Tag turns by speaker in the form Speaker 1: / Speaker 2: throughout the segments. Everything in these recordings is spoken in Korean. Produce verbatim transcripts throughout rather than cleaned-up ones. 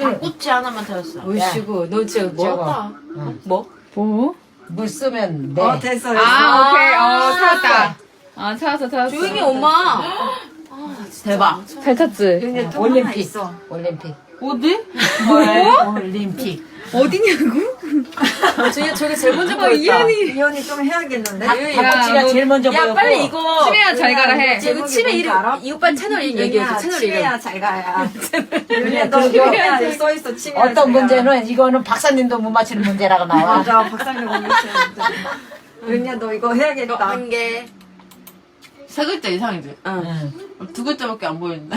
Speaker 1: 닭꼬치 하나만 찾았어.
Speaker 2: 으이씨구, 너 진짜
Speaker 1: 뭐였다?
Speaker 2: 응. 뭐?
Speaker 3: 뭐?
Speaker 2: 물 쓰면 네.
Speaker 4: 어 됐어 됐어.
Speaker 3: 아, 오케이. 어, 찾았다. 아, 찾았어, 찾았어.
Speaker 1: 조용히 엄마. 대박.
Speaker 3: 잘 찾지?
Speaker 4: 근데 또 하나
Speaker 2: 올림픽.
Speaker 4: 있어.
Speaker 2: 올림픽.
Speaker 3: 어디?
Speaker 2: 올림픽.
Speaker 3: 어디냐고?
Speaker 1: 저게 저게 제일 먼저
Speaker 3: 어,
Speaker 1: 보였다.
Speaker 3: 이현이.
Speaker 4: 이현이 좀 해야겠는데?
Speaker 2: 닭꼬치가 제일 먼저 보였고.
Speaker 1: 야 빨리 이거.
Speaker 3: 치매야 잘 가라 해.
Speaker 1: 이거 치매 이름 이 오빠 채널 이름 얘기해줘. 채널 이름.
Speaker 4: 치매야 잘 가야.
Speaker 2: 그래,
Speaker 4: 너
Speaker 2: 그리고
Speaker 4: 치매야 써있어 치매야.
Speaker 2: 어떤
Speaker 4: 잘 가.
Speaker 2: 문제는 이거는 박사님도 못 맞히는 문제라고 나와.
Speaker 4: 맞아 박사님 공부했는데. 은희야 너 이거 해야겠다.
Speaker 1: 한 개.
Speaker 5: 세 글자 이상이지?
Speaker 2: 응.
Speaker 5: 두 글자밖에 안 보이는데.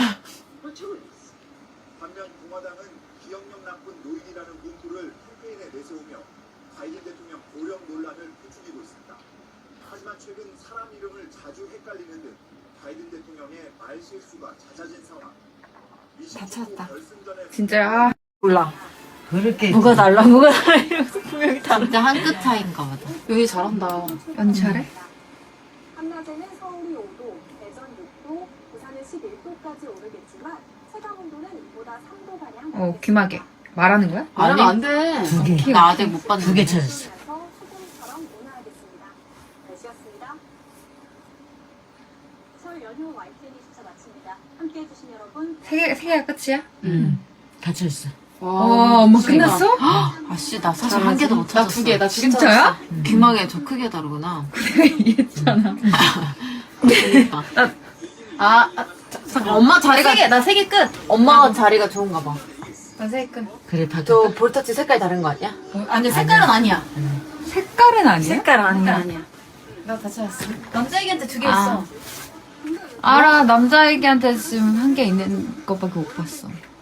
Speaker 6: 반면 공화당은 기억력 나쁜 노인이라는 문구를 캠페인에 내세우며 바이든 대통령 고령 논란을 부추기고 있습니다. 하지만 최근 사람 이름을 자주 헷갈리는 등 바이든 대통령의 말 실수가 잦아진 상황.
Speaker 4: 다 찾았다.
Speaker 3: 진짜, 아.
Speaker 4: 몰라.
Speaker 2: 그렇게.
Speaker 4: 뭐가 달라 뭐가 달라 이러면서 분명히 다.
Speaker 5: 진짜 한 끗 차이인가 보다.
Speaker 1: 여기 잘한다.
Speaker 3: 언니 잘해?
Speaker 7: 한낮에는 서울이 오 도, 대전 육 도, 부산은 십일 도까지 오르겠지만 체감 온도는 이보다 삼 도가량
Speaker 3: 어, 귀마개. 말하는 거야?
Speaker 5: 아니,
Speaker 1: 안 돼.
Speaker 2: 두 개.
Speaker 5: 나 아직 못 봤는데.
Speaker 2: 두 개 찾았어.
Speaker 7: 소금처럼 온화하겠습니다. 날씨였습니다. 설 연휴 와이티엔이 시차 마칩니다. 함께해 주신 여러분
Speaker 3: 세 개, 세 개가 끝이야?
Speaker 2: 응. 다 찾았어.
Speaker 3: 와, 엄마
Speaker 1: 진짜.
Speaker 3: 끝났어?
Speaker 5: 아씨, 나 사실 한 개도 못 찾았어.
Speaker 1: 나 두 개. 나 지금
Speaker 3: 진짜야?
Speaker 1: 찾았어.
Speaker 5: 귀망에 저 크게 다르구나.
Speaker 3: 이해했잖아.
Speaker 5: 그러니까.
Speaker 1: 아, 아 자, 잠깐 엄마 자리가
Speaker 5: 세 개,
Speaker 1: 나 세 개 끝. 엄마가 자리가 좋은가 봐.
Speaker 3: 나세 개 끝.
Speaker 2: 그래, 다
Speaker 1: 저 볼터치 색깔 다른 거 아니야?
Speaker 5: 아니, 색깔은 아니야.
Speaker 3: 색깔은 아니야?
Speaker 4: 색깔 아니야.
Speaker 1: 아니야. 나 다 찾았어. 남자애기한테 두 개
Speaker 5: 아.
Speaker 1: 있어.
Speaker 3: 알아, 남자애기한테 지금 한 개 있는 것밖에 못 봤어.